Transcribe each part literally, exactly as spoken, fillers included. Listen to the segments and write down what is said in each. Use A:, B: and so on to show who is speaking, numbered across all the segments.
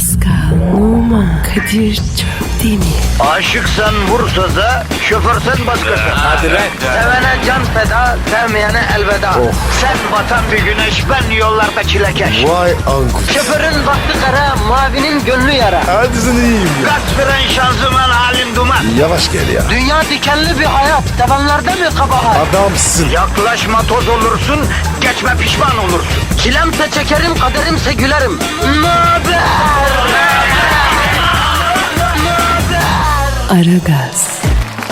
A: Pascal, Oman, Kadir çok değil mi?
B: Aşıksan vursa da, şoförsen başkasın.
C: Hadi lan.
B: Sevene can feda, sevmeyene elveda. Sen batan bir güneş, ben yollarda çilekeş.
C: Vay anku.
B: Şoförün baktı kara, mavinin gönlü yara.
C: Hadi sen iyiyim ya.
B: Kasperen şanzıman halin duman.
C: Yavaş gel ya.
B: Dünya dikenli bir hayat, sevenlerde mi kabahar?
C: Adamsın.
B: Yaklaşma toz olursun, geçme pişman olursun. Çilemse çekerim, kaderimse gülerim. Möber!
A: Aragaz.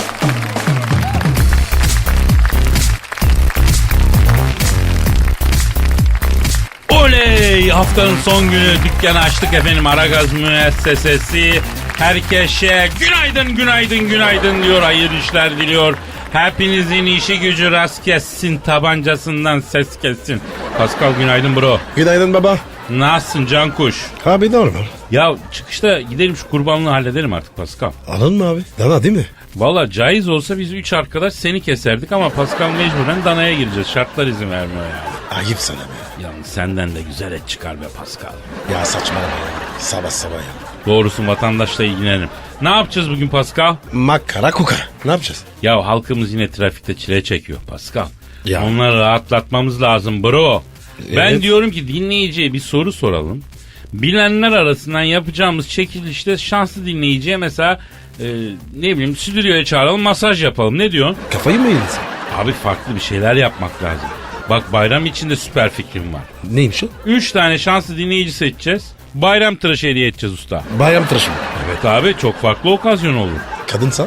D: Oley! Haftanın son günü dükkanı açtık efendim. Aragaz müessesesi. Herkese günaydın, günaydın, günaydın diyor. Hayırlı işler diliyor. Hepinizin işi gücü rast kessin. Tabancasından ses kessin. Pascal günaydın bro.
C: Günaydın baba.
D: Nasılsın Cankuş?
C: Abi normal.
D: Ya çıkışta gidelim şu kurbanlığı halledelim artık Pascal.
C: Alın mı abi? Dana değil mi?
D: Valla caiz olsa biz üç arkadaş seni keserdik ama Pascal mecburen danaya gireceğiz. Şartlar izin vermiyor yani.
C: Ayıp sana be.
D: Yalnız senden de güzel et çıkar be Pascal.
C: Ya saçmalama ya. Sabah sabah ya.
D: Doğrusu vatandaşla ilgilenelim. Ne yapacağız bugün Pascal?
C: Makara kuka. Ne yapacağız?
D: Ya halkımız yine trafikte çile çekiyor Pascal.
C: Ya.
D: Onları rahatlatmamız lazım bro. Ben
C: Evet.
D: diyorum ki dinleyiciye bir soru soralım. Bilenler arasından yapacağımız çekilişte şanslı dinleyiciye mesela e, ne bileyim stüdyoya çağıralım, masaj yapalım. Ne diyorsun?
C: Kafayı mı yedin sen?
D: Abi farklı bir şeyler yapmak lazım. Bak bayram içinde süper fikrim var.
C: Neymiş o?
D: Üç tane şanslı dinleyici seçeceğiz. Bayram tıraşı hediye edeceğiz usta.
C: Bayram tıraşı mı?
D: Evet abi, çok farklı okazyon olur.
C: Kadınsa?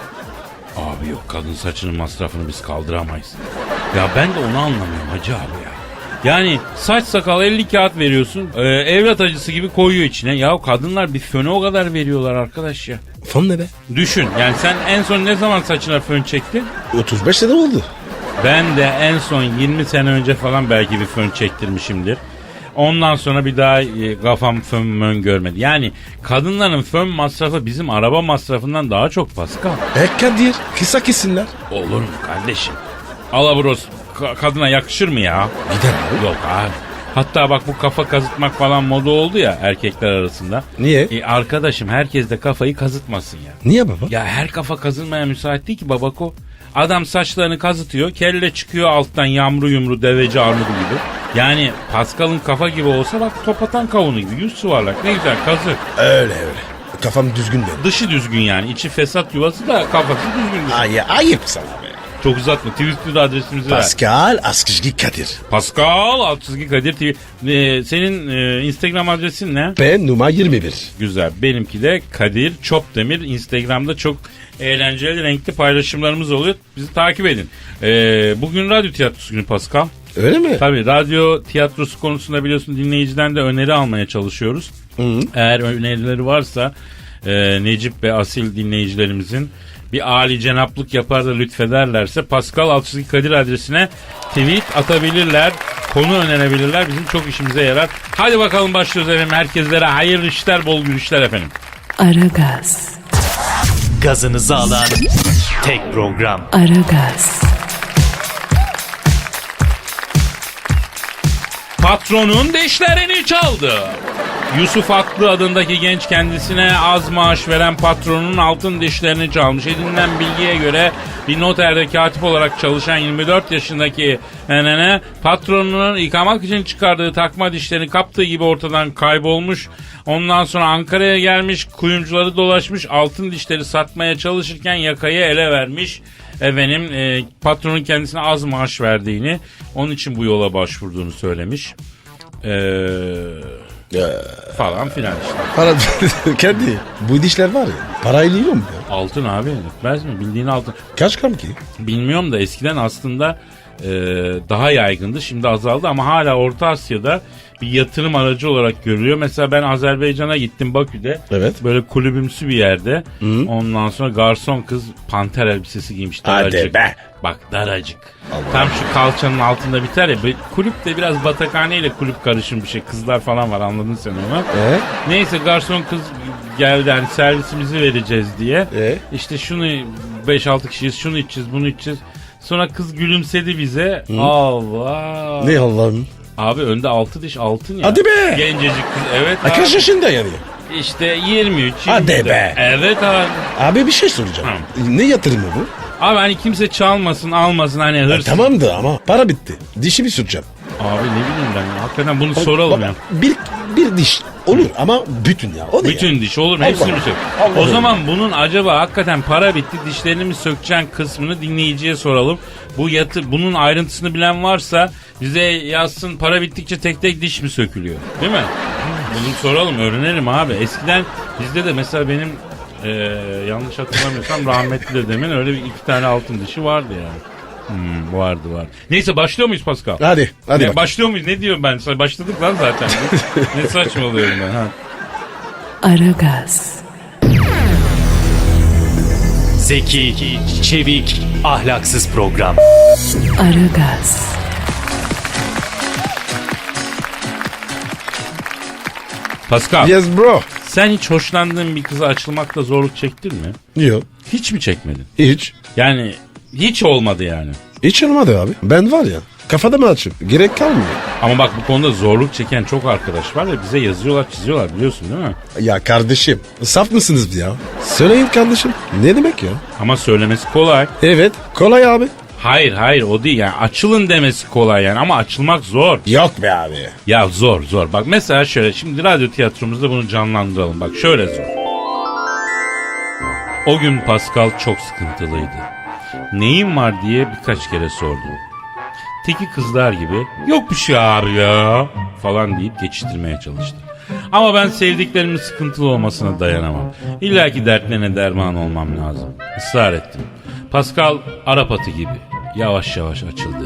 D: Abi yok, kadın saçının masrafını biz kaldıramayız. Ya ben de onu anlamıyorum hacı abi ya. Yani saç sakal elli kağıt veriyorsun, e, evlat acısı gibi koyuyor içine. Ya kadınlar bir föne o kadar veriyorlar arkadaş ya.
C: Fon ne be?
D: Düşün yani, sen en son ne zaman saçına fön çektin?
C: otuz beş sene oldu.
D: Ben de en son yirmi sene önce falan belki bir fön çektirmişimdir. Ondan sonra bir daha e, kafam fön mön görmedi. Yani kadınların fön masrafı bizim araba masrafından daha çok Pascal.
C: E Kadir kısa kesinler.
D: Olur mu kardeşim? Alabros ka- kadına yakışır mı ya?
C: Gider abi.
D: Yok abi. Hatta bak bu kafa kazıtmak falan moda oldu ya erkekler arasında.
C: Niye?
D: E arkadaşım, herkes de kafayı kazıtmasın ya.
C: Niye baba?
D: Ya her kafa kazınmaya müsait değil ki babako. Adam saçlarını kazıtıyor, kelle çıkıyor alttan yamru yumru deveci armudu gibi. Yani Pascal'ın kafa gibi olsa bak topatan kavunu gibi yüz yuvarlak, ne güzel kazık.
C: Öyle öyle. Kafam düzgün benim.
D: Dışı düzgün yani, içi fesat yuvası da kafası düzgün.
C: Ay, ayıp sana be.
D: Çok uzatma, Twitter'da adresimizi ver.
C: Pascal Askışgi Kadir.
D: Pascal alt çizgi Kadir T V. Ee, senin e, Instagram adresin ne?
C: Ben numara yirmi bir.
D: Güzel. Benimki de Kadir Çopdemir. Instagram'da çok eğlenceli, renkli paylaşımlarımız oluyor. Bizi takip edin. Ee, bugün radyo tiyatrosu günü Pascal.
C: Öyle mi?
D: Tabii radyo tiyatrosu konusunda biliyorsun dinleyiciden de öneri almaya çalışıyoruz.
C: Hı.
D: Eğer önerileri varsa e, Necip ve Asil dinleyicilerimizin bir âli cenaplık yapar da lütfederlerse Pascal Altçizgi Kadir adresine tweet atabilirler. Konu önerebilirler. Bizim çok işimize yarar. Hadi bakalım başlıyoruz efendim. Herkeslere hayırlı işler, bol gülüşler efendim.
A: Aragaz.
E: Gazınızı alan tek program.
A: Aragaz.
D: Patronun dişlerini çaldı. Yusuf Aklı adındaki genç kendisine az maaş veren patronun altın dişlerini çalmış. Edinilen bilgiye göre bir noterde katip olarak çalışan yirmi dört yaşındaki nenene patronunun yıkamak için çıkardığı takma dişlerini kaptığı gibi ortadan kaybolmuş. Ondan sonra Ankara'ya gelmiş, kuyumcuları dolaşmış, altın dişleri satmaya çalışırken yakayı ele vermiş. Efendim e, patronun kendisine az maaş verdiğini, onun için bu yola başvurduğunu söylemiş. Eee... falan filan işte.
C: Para kendi. Bu dişler var ya. Parayla yiyor mu ya?
D: Altın abi, etmez mi? Bildiğin altın.
C: Kaç gram ki?
D: Bilmiyorum da eskiden aslında e, daha yaygındı. Şimdi azaldı ama hala Orta Asya'da bir yatırım aracı olarak görülüyor. Mesela ben Azerbaycan'a gittim, Bakü'de.
C: Evet.
D: Böyle kulübümsü bir yerde.
C: Hı.
D: Ondan sonra garson kız panter elbisesi giymiş. Daracık.
C: Hadi be.
D: Bak daracık.
C: Allah
D: Tam şu kalçanın altında biter ya. Kulüp de biraz batakhaneyle kulüp karışım bir şey. Kızlar falan var, anladın sen onu.
C: Ee?
D: Neyse garson kız geldi, hani servisimizi vereceğiz diye.
C: Ee?
D: İşte şunu beş altı kişiyiz, şunu içeceğiz, bunu içeceğiz. Sonra kız gülümsedi bize. Hı? Allah.
C: Ne Allah'ım?
D: Abi önde altı diş altın ya.
C: Hadi be.
D: Gencecik kız, evet.
C: Ay, kaç yaşında yani?
D: işte yirmi üç.
C: Hadi
D: yirmi dört.
C: be.
D: Evet abi.
C: Abi bir şey soracağım. Ne yatırımı bu?
D: Abi hani kimse çalmasın almasın hani
C: Ya
D: hırsız.
C: tamamdı ama para bitti. Dişi bir süreceğim.
D: Abi ne bileyim ben ya. Hakikaten bunu soralım
C: Bak,
D: ya.
C: Bir, bir diş olur ama bütün ya. O ne
D: Bütün
C: ya?
D: diş olur mu?
C: Allah
D: Hepsini mi sök?
C: Allah
D: O
C: Allah.
D: zaman bunun acaba hakikaten para bitti dişlerini mi sökeceksin kısmını dinleyiciye soralım. Bu yatı bunun ayrıntısını bilen varsa bize yazsın, para bittikçe tek tek diş mi sökülüyor? Değil mi? Bunu soralım, öğrenelim abi. Eskiden bizde de mesela benim e, yanlış hatırlamıyorsam rahmetli dedemin öyle bir iki tane altın dişi vardı yani. Hmm, vardı var. Neyse başlıyor muyuz Pascal?
C: Hadi. Hadi
D: Ne,
C: bak.
D: başlıyor muyuz? Ne diyorum ben? Başladık lan zaten. Ne saçmalıyorum ben ha.
A: Aragaz,
E: Zeki, çevik, ahlaksız program.
A: Aragaz,
D: Pascal,
C: Yes bro.
D: sen hiç hoşlandığın bir kıza açılmakta zorluk çektin mi?
C: Yok.
D: Hiç mi çekmedin?
C: Hiç.
D: Yani hiç olmadı yani.
C: Hiç olmadı abi. Ben var ya. Kafada mı açıp? Gerek kalmıyor.
D: Ama bak bu konuda zorluk çeken çok arkadaş var ve bize yazıyorlar çiziyorlar biliyorsun değil mi?
C: Ya kardeşim. Saf mısınız ya? Söyleyin kardeşim. Ne demek ya?
D: Ama söylemesi kolay.
C: Evet. Kolay abi.
D: Hayır hayır o değil yani açılın demesi kolay yani ama açılmak zor.
C: Yok be abi.
D: Ya zor zor. Bak mesela şöyle şimdi radyo tiyatromuzda bunu canlandıralım. Bak şöyle zor. O gün Pascal çok sıkıntılıydı. Neyin var diye birkaç kere sordum. Teki kızlar gibi yok bir şey abi ya falan deyip geçiştirmeye çalıştı. Ama ben sevdiklerimin sıkıntılı olmasına dayanamam. İlla ki dertlerine derman olmam lazım. Israr ettim. Pascal Arap atı gibi yavaş yavaş açıldı.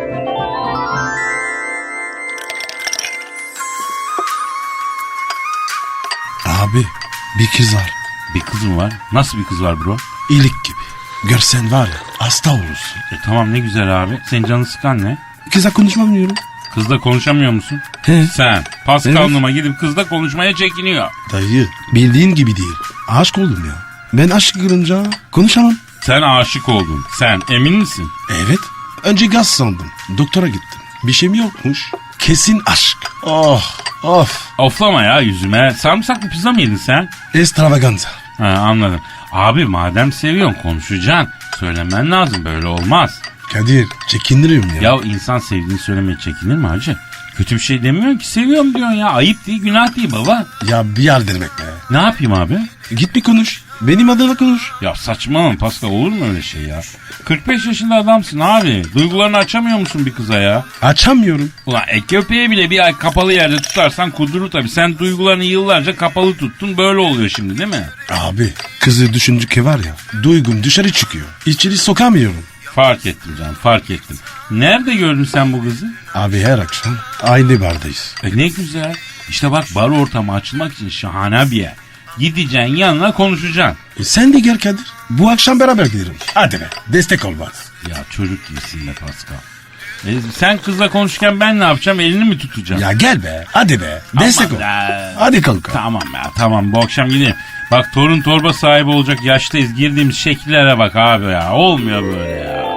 C: Abi bir kız var.
D: Bir kız mı var? Nasıl bir kız var bro?
C: İyilik gibi. Görsen var ya hasta olursun.
D: E tamam ne güzel abi. Senin canını sıkan ne?
C: Kıza konuşmamıyorum.
D: Kızla konuşamıyor musun?
C: He.
D: Sen Pascal
C: Evet.
D: Numa gidip kızla konuşmaya çekiniyor.
C: Dayı bildiğin gibi değil. Aşk oldum ya. Ben aşk kırınca konuşamam.
D: Sen aşık oldun. Sen emin misin?
C: Evet. Önce gaz sandım. Doktora gittim. Bir şeyim yokmuş. Kesin aşk. Oh of.
D: Oflama ya yüzüme. Sarımsaklı pizza mı yedin sen?
C: Extravaganza.
D: Ha, anladım. Abi madem seviyorsun konuşacaksın. Söylemen lazım böyle olmaz.
C: Kadir çekindiriyorum ya.
D: Ya insan sevdiğini söylemeye çekinir mi hacı? Kötü bir şey demiyorsun ki seviyorum diyorsun ya. Ayıp değil günah değil baba.
C: Ya bir yer demek be.
D: Ne yapayım abi?
C: Git bir konuş. Benim adıma konuş.
D: Ya saçmalama Pascal olur mu öyle şey ya? kırk beş yaşında adamsın abi. Duygularını açamıyor musun bir kıza ya?
C: Açamıyorum.
D: Ulan e, köpeği bile bir ay kapalı yerde tutarsan kudurur tabii. Sen duygularını yıllarca kapalı tuttun böyle oluyor şimdi değil mi?
C: Abi kızı düşündükçe var ya. Duygum dışarı çıkıyor. İçeri sokamıyorum.
D: Fark ettim canım fark ettim. Nerede gördün sen bu kızı?
C: Abi her akşam aynı bardayız.
D: E ne güzel. İşte bak bar ortamı açılmak için şahane bir yer. Gideceksin yanına konuşacaksın.
C: E sen de gel Kadir. Bu akşam beraber gidelim. Hadi be destek ol bana.
D: Ya çocuk gibisin be Pascal. E, sen kızla konuşurken ben ne yapacağım elini mi tutacağım?
C: Ya gel be hadi be destek
D: Aman
C: ol.
D: be.
C: Hadi kanka.
D: Tamam ya tamam bu akşam gideyim. Bak torun torba sahibi olacak yaştayız. Girdiğimiz şekillere bak abi ya. Olmuyor böyle ya.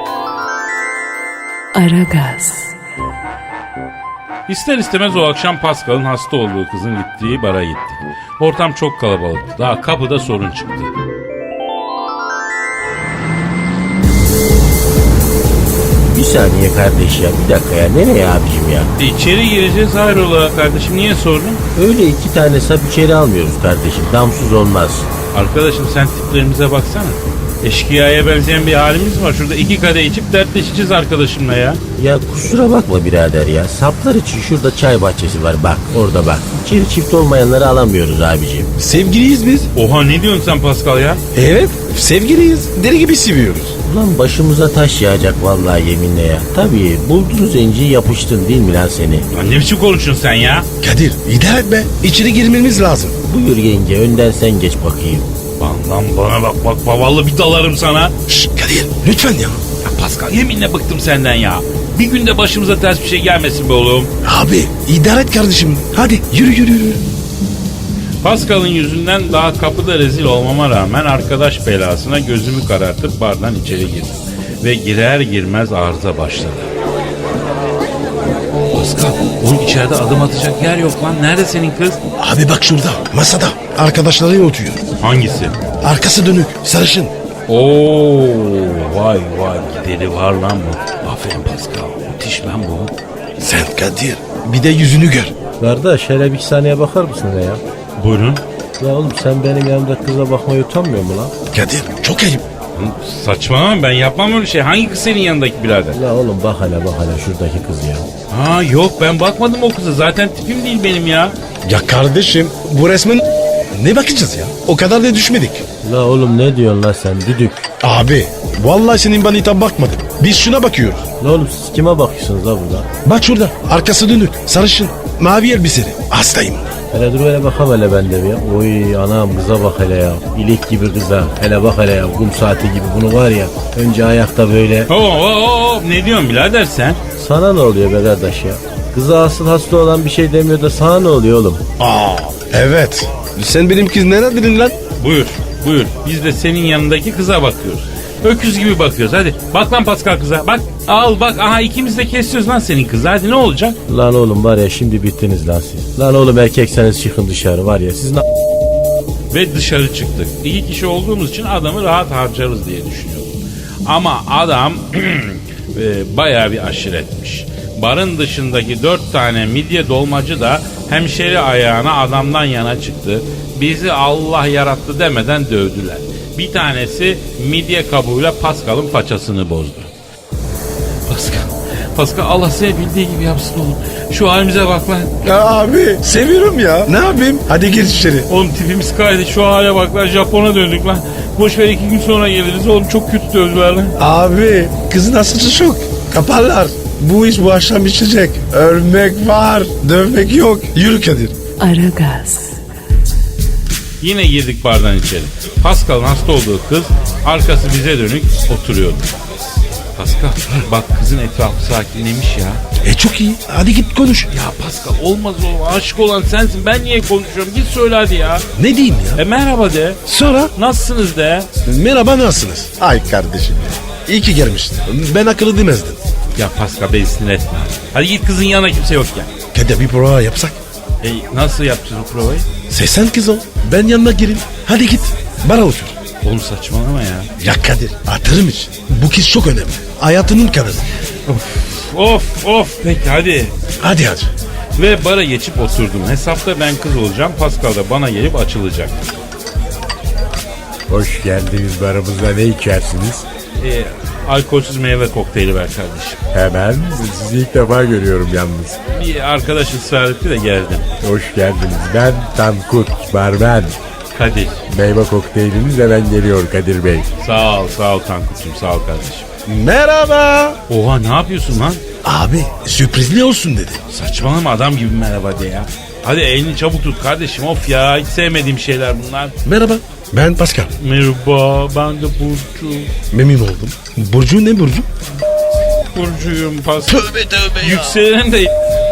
A: Aragaz,
D: İster istemez o akşam Pascal'ın hasta olduğu kızın gittiği bara gittik. Ortam çok kalabalıktı. Daha kapıda sorun çıktı.
F: Bir saniye kardeş ya bir dakika ya nereye abicim ya?
D: E, içeri gireceğiz hayrola kardeşim niye sordun?
F: Öyle iki tane sap içeri almıyoruz kardeşim damsız olmaz.
D: Arkadaşım sen tiplerimize baksana. Eşkıya'ya benzeyen bir halimiz var. Şurada iki kadeh içip dertleşeceğiz arkadaşımla ya.
F: Ya kusura bakma birader ya saplar için şurada çay bahçesi var bak orada bak. İçeri çift olmayanları alamıyoruz abicim.
C: Sevgiliyiz biz.
D: Oha ne diyorsun sen Pascal ya?
C: Evet sevgiliyiz. Deli gibi seviyoruz.
F: Ulan başımıza taş yağacak vallahi yeminle ya. Tabii buldun zenciyi yapıştın değil mi lan seni?
D: Lan ne biçim konuşuyorsun sen ya?
C: Kadir idare et be. İçeri girmemiz lazım.
F: Buyur yenge önden sen geç bakayım.
D: Lan, lan bana bak bak vallahi bir dalarım sana.
C: Şşş Kadir lütfen ya.
D: Ya Pascal yeminle bıktım senden ya. Bir günde başımıza ters bir şey gelmesin be oğlum.
C: Abi idare et kardeşim. Hadi yürü yürü yürü.
D: Pascal'ın yüzünden daha kapıda rezil olmama rağmen arkadaş belasına gözümü karartıp bardan içeri girdim. Ve girer girmez arıza başladı. Pascal, oğlum içeride adım atacak yer yok lan. Nerede senin kız?
C: Abi bak şurada masada arkadaşlarıyla oturuyor.
D: Hangisi?
C: Arkası dönük sarışın.
D: Oo, vay vay gideri var lan bu. Aferin Pascal. Müthiş lan bu.
C: Sen Kadir bir de yüzünü gör.
F: Kardeş hele bir saniye bakar mısın ya?
D: Buyurun.
F: Ya oğlum sen benim yanımda kıza bakmaya utanmıyor mu lan?
C: Kadir çok ayıp.
D: Saçmalama, ben yapmam öyle şey. Hangi kız senin yanındaki birader?
F: La oğlum bak hele bak hele şuradaki kız ya.
D: Ha yok, ben bakmadım o kıza. Zaten tipim değil benim ya.
C: Ya kardeşim bu resmin ne bakacağız ya? O kadar da düşmedik.
F: La oğlum ne diyorsun la sen düdük?
C: Abi vallahi senin bana hitap bakmadım. Biz şuna bakıyoruz.
F: La oğlum siz kime bakıyorsunuz la burada?
C: Bak şurada arkası dönük sarışın mavi elbiseli. Hastayım.
F: Hele dur hele bakalım hele ben de bir ya. Oy anam kıza bak hele ya. İlik gibi kıza. Hele bak hele ya. Kum saati gibi bunu var ya. Önce ayakta böyle.
D: Oo, oo, oo, ne diyorsun birader sen?
F: Sana ne oluyor be kardeş ya? Kıza asıl hasta olan bir şey demiyor da sana ne oluyor oğlum?
C: Aa evet. Sen benim kız neredeydin lan?
D: Buyur, buyur. Biz de senin yanındaki kıza bakıyoruz. Öküz gibi bakıyoruz. Hadi bak lan Pascal kıza. Bak al bak. Aha ikimiz de kesiyoruz lan senin kızı. Hadi ne olacak?
F: Lan oğlum var ya şimdi bittiniz lan siz. Lan oğlum erkekseniz çıkın dışarı var ya. Siz ne...
D: Ve dışarı çıktık. İki kişi olduğumuz için adamı rahat harcarız diye düşünüyordum. Ama adam e, bayağı bir aşiretmiş. Barın dışındaki dört tane midye dolmacı da hemşeri ayağına adamdan yana çıktı. Bizi Allah yarattı demeden dövdüler. Bir tanesi midye kabuğuyla Pascal'ın paçasını bozdu. Pascal, Pascal Allah seni bildiği gibi yapsın oğlum. Şu halimize bak lan.
C: Ya abi seviyorum ya. Ne yapayım? Hadi gir içeri.
D: Oğlum tipimiz kaydı, şu hale bak lan, Japon'a döndük lan. Boş ver, iki gün sonra geliriz oğlum, çok kötü dövdüler lan.
C: Abi kızın asıcı çok. Kaparlar. Bu iş bu akşam içecek. Ölmek var. Dövmek yok. Yürü Kadir.
A: Aragaz,
D: Yine girdik bardan içeri. Pascal'ın hasta olduğu kız arkası bize dönük oturuyordu. Pascal bak kızın etrafı sakinlemiş ya.
C: E çok iyi. Hadi git konuş.
D: Ya Pascal olmaz o, aşık olan sensin, ben niye konuşuyorum, git söyle hadi ya.
C: Ne diyeyim ya?
D: E merhaba de.
C: Sonra
D: Nasılsınız de.
C: merhaba nasılsınız? Ay kardeşim. İyi ki gelmiştin. Ben akıllı demezdim.
D: Ya Pascal beni sinir etme. Hadi git kızın yanına, kimse yok ya.
C: Kadir bir prova yapsak.
D: E nasıl yapacağız o provayı?
C: Sen kız ol. Ben yanına gireyim. Hadi git. Bana otur.
D: Oğlum saçmalama ya.
C: Ya Kadir hatırım için. Bu kız çok önemli. Hayatının kadını.
D: Of of peki hadi.
C: Hadi hadi.
D: Ve bara geçip oturdum. Hesapta ben kız olacağım. Pascal da bana gelip açılacak.
G: Hoş geldiniz barımıza, ne içersiniz?
D: E, alkolsüz meyve kokteyli ver kardeşim.
G: Hemen, sizi ilk defa görüyorum yalnız.
D: Bir arkadaş ısrar etti de geldim.
G: Hoş geldiniz, ben Tankut, barmen.
D: Kadir.
G: Meyve kokteyliniz hemen geliyor Kadir Bey.
D: Sağ ol sağ ol Tankut'cum, sağ ol kardeşim.
C: Merhaba.
D: Oha ne yapıyorsun lan?
C: Abi sürprizli olsun dedi.
D: Saçmalama, adam gibi merhaba de ya. Hadi elini çabuk tut kardeşim, of ya, hiç sevmediğim şeyler bunlar.
C: Merhaba. Ben Pascal.
D: Merhaba, ben de Burcu.
C: Memnun oldum. Burcu ne Burcu?
D: Burcu'yum Pascal.
C: Tövbe tövbe ya.
D: Yükselen de...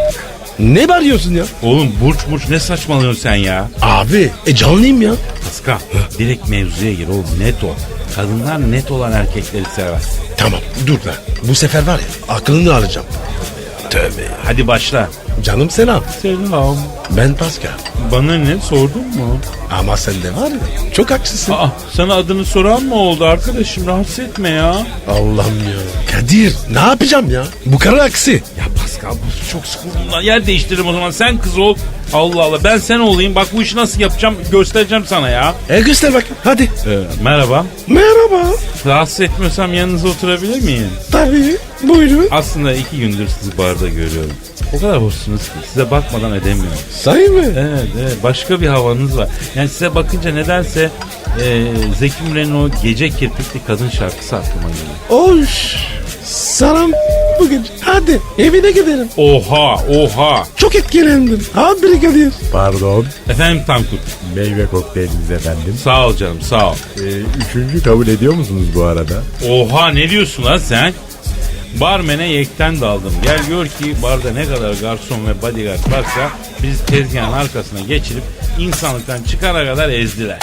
C: Ne bağırıyorsun ya?
D: Oğlum burç burç ne saçmalıyorsun sen ya?
C: Abi e canlıyım ya.
D: Pascal direkt mevzuya gir oğlum, net ol. Kadınlar net olan erkekleri sever.
C: Tamam dur lan. Bu sefer var ya aklını alacağım. Tövbe ya.
D: Hadi başla.
C: Canım selam.
D: Selam.
C: Ben Pascal.
D: Bana ne sordun mu?
C: Ama sen de var ya çok haksızsın.
D: Aa, sana adını soran mı oldu arkadaşım, rahatsız etme ya.
C: Allah'ım ya. Kadir ne yapacağım ya? Bu karı aksi.
D: Ya Pascal bu çok sıkıldım lan, yer değiştiririm o zaman, sen kız ol. Allah Allah, ben sen olayım, bak bu işi nasıl yapacağım göstereceğim sana ya.
C: E göster bak hadi.
D: Ee, merhaba.
C: Merhaba.
D: Rahatsız etmiyorsam yanınıza oturabilir miyim?
C: Tabii buyurun.
D: Aslında iki gündür sizi barda görüyorum. O kadar hoşsunuz ki size bakmadan edemiyorum.
C: Sahi mi?
D: Evet, evet, başka bir havanız var. Yani size bakınca nedense e, Zeki Müren'in o Gece Kirpikli Kadın şarkısı aklıma geliyor.
C: Oş. Sana bugün. Hadi evine gidelim.
D: Oha oha.
C: Çok etkilendim. Abi Kadir.
G: Pardon,
D: Efendim Tankut.
G: meyve kokteyliniz efendim.
D: Sağ ol canım, sağ ol.
G: Ee, üçüncü kabul ediyor musunuz bu arada?
D: Oha, ne diyorsun lan sen? Barmene yekten daldım. Gel gör ki barda ne kadar garson ve bodyguard varsa bizi tezgahın arkasına geçirip insanlıktan çıkana kadar ezdiler.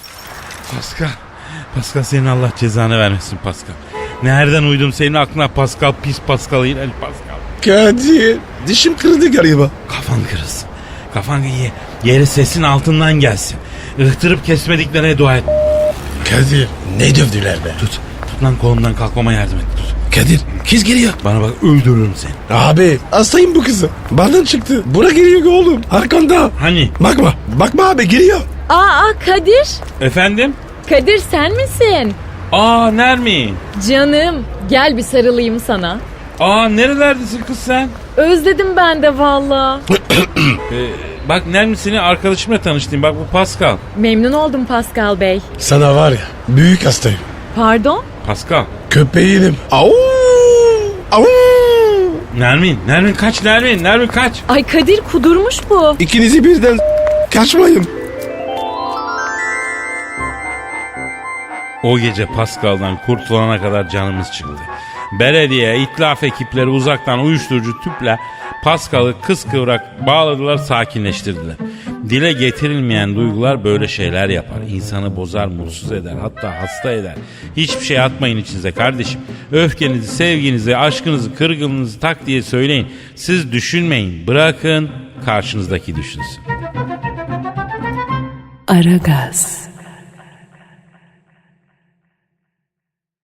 D: Pascal. Pascal senin Allah cezanı vermesin Pascal. Nereden uydum senin aklına Pascal, pis Pascal, iğrenç Pascal.
C: Kadir dişim kırıldı galiba.
D: Kafan kırılsın. Kafan ye, yeri sesin altından gelsin. Ihtırıp kesmediklerine dua et.
C: Kadir ne dövdüler be?
D: Tut. Tut lan kolumdan kalkmama yardım et. Tut.
C: Kadir kız geliyor.
D: Bana bak öldürürüm seni.
C: Abi hastayım bu kızı. Benden çıktı. Buna geliyor oğlum. Arkanda.
D: Hani?
C: Bakma. Bakma abi geliyor.
H: Aa Kadir.
D: Efendim?
H: Kadir sen misin?
D: Aa Nermin.
H: Canım gel bir sarılayım sana.
D: Aa nerelerdesin kız sen?
H: Özledim ben de valla.
D: Ee, bak Nermin seni arkadaşımla tanıştım. Bak bu Pascal.
H: Memnun oldum Pascal Bey.
C: Sana var ya büyük hastayım.
H: Pardon?
D: Pascal.
C: Köpeğinim. Au! Au!
D: Nermin. Nermin kaç Nermin. Nermin kaç.
H: Ay Kadir kudurmuş bu.
C: İkinizi birden kaçmayın.
D: O gece Pascal'dan kurtulana kadar canımız çıktı. Belediye, itlaf ekipleri uzaktan uyuşturucu tüple Pascal'ı kıskıvrak bağladılar, sakinleştirdiler. Dile getirilmeyen duygular böyle şeyler yapar. İnsanı bozar, mutsuz eder, hatta hasta eder. Hiçbir şey atmayın içinize kardeşim. Öfkenizi, sevginizi, aşkınızı, kırgınlığınızı tak diye söyleyin. Siz düşünmeyin, bırakın karşınızdaki düşünsün.
A: Aragaz.